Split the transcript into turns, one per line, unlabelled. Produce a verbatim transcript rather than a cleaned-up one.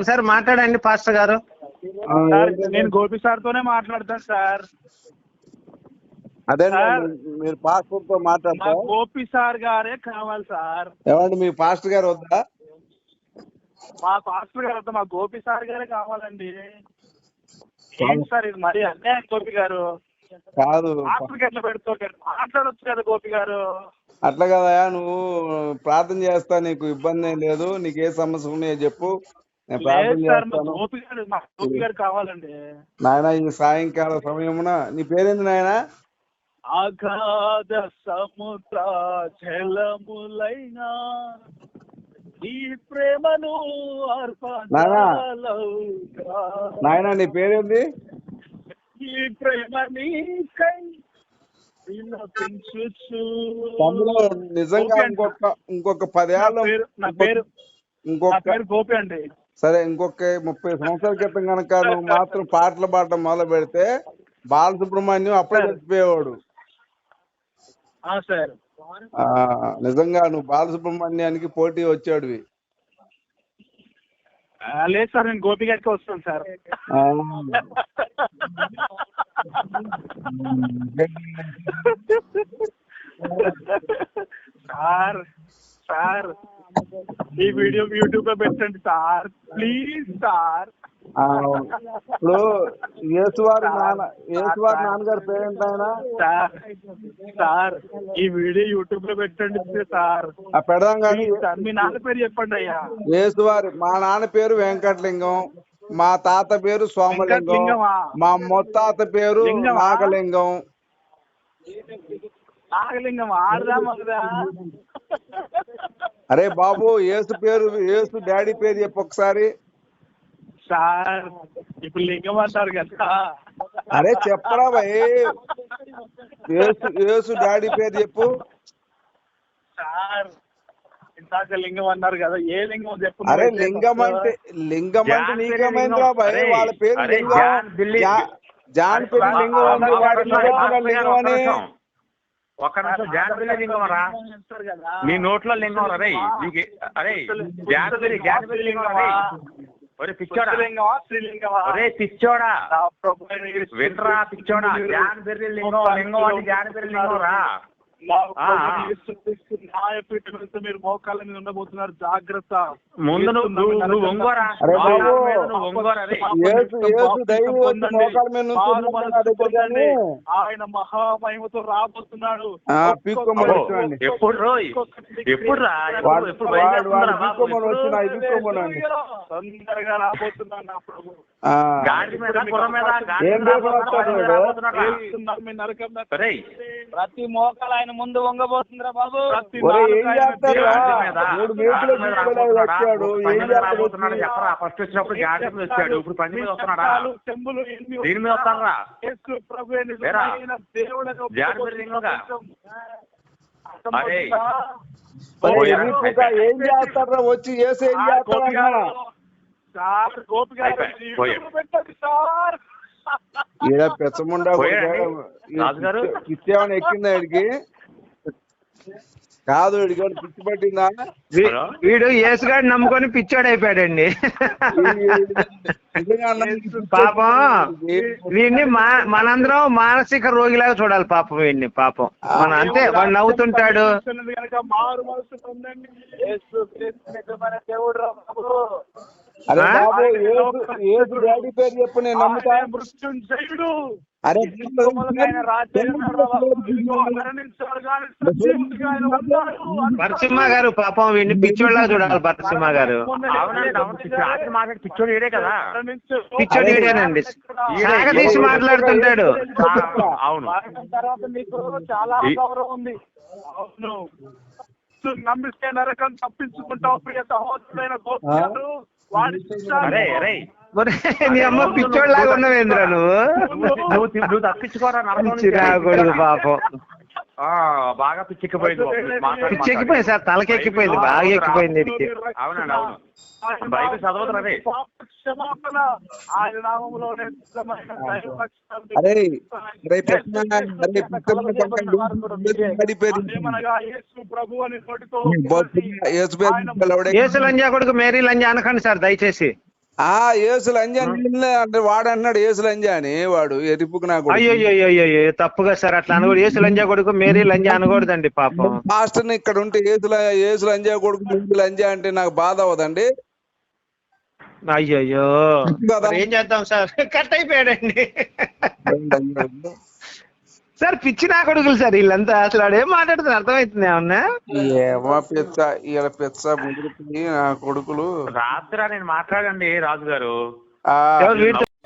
ఒకసారి మాట్లాడండి పాస్టర్ గారు.
నేను గోపి సార్ తోనే మాట్లాడతాను సార్.
అదే మీరు పాస్టర్ తో మాట్లాడతారు.
గోపి సార్ గారే కావాలి సార్.
ఏమండి మీ పాస్టర్ గారు వద్దా?
మా పాస్టర్ గారు వద్దా, మా గోపి సార్ గారే కావాలండి. ఏంటి సార్ ఇది మరి అన్యాయం గోపి గారు.
కాదు
పాస్టర్ ఎట్లా పెడుతుంటారు, మాట్లాడొచ్చు కదా గోపి గారు.
అట్లా కదా, నువ్వు ప్రార్థన చేస్తా, నీకు ఇబ్బంది ఏం లేదు, నీకు ఏ సమస్య ఉన్నాయో చెప్పు, నేను ప్రార్థన చేస్తాను.
గోపి గారు మా గోపి గారు కావాలండి
నాయన. ఈ సాయంకాల సమయమున నీ పేరేంది నాయన?
అగాధ సముద్ర జలములైనా ఈ ప్రేమను
నాయన. నీ పేరేంది?
ఈ ప్రేమ నీకై
నిజంగా ఇంకొక ఇంకొక పదేళ్ళ
నా పేరు
ఇంకొక
పేరు గోపి అండి.
సరే, ఇంకొక ముప్పై సంవత్సరాల క్రితం కనుక నువ్వు మాత్రం పాటలు పాడటం మొదలు పెడితే బాలసుబ్రహ్మణ్యం అప్పుడే చచ్చిపోయేవాడు.
సార్
నిజంగా నువ్వు బాలసుబ్రహ్మణ్యానికి పోటీ వచ్చాడువి.
లేదు సార్, నేను గోపి గారికి వస్తాను సార్. సార్ సార్ ఈ వీడియో యూట్యూబ్ లో పెట్టండి సార్, ప్లీజ్ సార్.
ఇప్పుడు యేసువారి నాన్న యేసువారి నాన్నగారి పేరెంట్ ఆయన
సార్. ఈ వీడియో యూట్యూబ్ లో పెట్టండి సార్.
పెడదాం కానీ
మీ నాన్న పేరు చెప్పండి అయ్యా.
యేసువారి మా నాన్న పేరు వెంకటలింగం, మా తాత పేరు సోమలింగం, మా ముత్తాత పేరు నాగలింగం.
నాగలింగం ఆడదా మగదా?
అరే బాబు, యేసు పేరు యేసు డాడీ పేరు చెప్పు ఒకసారి.
సార్ ఇప్పుడు లింగం అంటారు కదా.
అరే చెప్పరా భయ్, యేసు యేసు డాడీ పేరు చెప్పు
సార్. ఇందాక లింగం అన్నారు కదా, ఏ లింగం చెప్పు.
అరే లింగం అంటే లింగం అంటే నీకేమైందిరా భయ్? వాళ్ళ పేరు లింగం, జాన్ పేరు లింగం ఉంది, వాడి లింగం అని.
ఒక్క నిమిషం, జానపల్లి లింగం రా, నీ నోట్లో లింగం రా. నీకు అరే జానపల్లి జానపల్లి లింగం రా. ఒరే పిచ్చోడా, ఒరే పిచ్చోడా, వినరా పిచ్చోడా, జానపల్లి లింగం లింగం అని జానపల్లి లింగం రా.
మీరు మోకాళ్ళ మీద ఉండబోతున్నారు, జాగ్రత్త.
ముందు నువ్వు ఒంగోరా,
ఆయన మహామహిమతో రాబోతున్నాడు.
ఎప్పుడు ఎప్పుడు రా
తొందరగా రాబోతున్నాడు నా ప్రభు.
గాడి మీద గుర్రం మీద
ప్రతి మోకాలు ఆయన ముందు వంగబోతుందిరా బాబు.
చెప్పరా, ఫస్ట్ వచ్చినప్పుడు గాడి మీద వచ్చాడు, ఇప్పుడు పంది మీద వస్తున్నాడా? దీని మీద వస్తారా?
ఏం చేస్తారా వచ్చి చేసి ఏం చేస్తారా? ఈడ పెచ్చముండా పిచ్చేమని ఎక్కిందా వీడికి? కాదు, వీడికి పిచ్చి పట్టిందా?
వీడు యేసుగాడిని నమ్ముకొని పిచ్చోడు అయిపోయాడండి పాపం. వీడిని మనందరం మానసిక రోగిలాగా చూడాలి పాపం వీడిని. పాపం మన అంతే, వాడు నవ్వుతుంటాడు.
అరే బాబు, యేసు డాడీ పేరు చెప్పు, నేను నమ్ముతా. అరే
పరసింహ గారు పాపం వీడిని పిచ్చోళ్ళ చూడాలి. పరసింహ గారు పిచ్చోడు ఏడే కదా, పిచ్చోడు ఏడేనండి, సాగదీసి మాట్లాడుతుంటాడు. అవును,
తర్వాత మీకు చాలా గౌరవం ఉంది. అవును, నమ్మిస్తే నరకం తప్పించుకుంటావు ప్రియ సహోదరుడైన గోపాలు.
నీ అమ్మ పిచ్చోళ్ళలాగా ఉన్నవేంద్రా నువ్వు? నువ్వు తప్పించుకోరా రాకూడదు పాపం. బాగా పిచ్చెక్కిపోయింది, పిచ్చెక్కిపోయింది సార్, తలకెక్కిపోయింది, బాగా ఎక్కిపోయింది వీడికి. అవునండి, అవును. బైబిల్ చదవదురా రే. యేసు లంజా కొడుకు మేరీ లంజా అనకండి సార్ దయచేసి.
ఆ యేసు లంజా అంటే వాడు అన్నాడు యేసు లంజా అని వాడు ఎరుపుకు నాకు
అయ్యో అయ్యో అయ్యో తప్పుగా సార్ అట్లా అనకూడదు. యేసు లంజా కొడుకు మేరీ లంజా అనకూడదండి పాపం.
మాస్టర్ ఇక్కడ ఉంటే యేసు యేసు లంజా కొడుకు మేరీ లంజా అంటే నాకు బాధ అవదండి.
అయ్యయ్యో ఏం చేద్దాం సార్, కట్ అయిపోయాడండి సార్. పిచ్చి నా కొడుకులు సార్ వీళ్ళంతా. అసలు వాడు ఏం మాట్లాడుతున్నారు అర్థమవుతుంది ఏమన్నా?
ఏమో పెచ్చ ఇలా పెచ్చ ముదిరిపోయి నా కొడుకులు.
రాత్రి నేను మాట్లాడండి రాజు గారు.
ఆ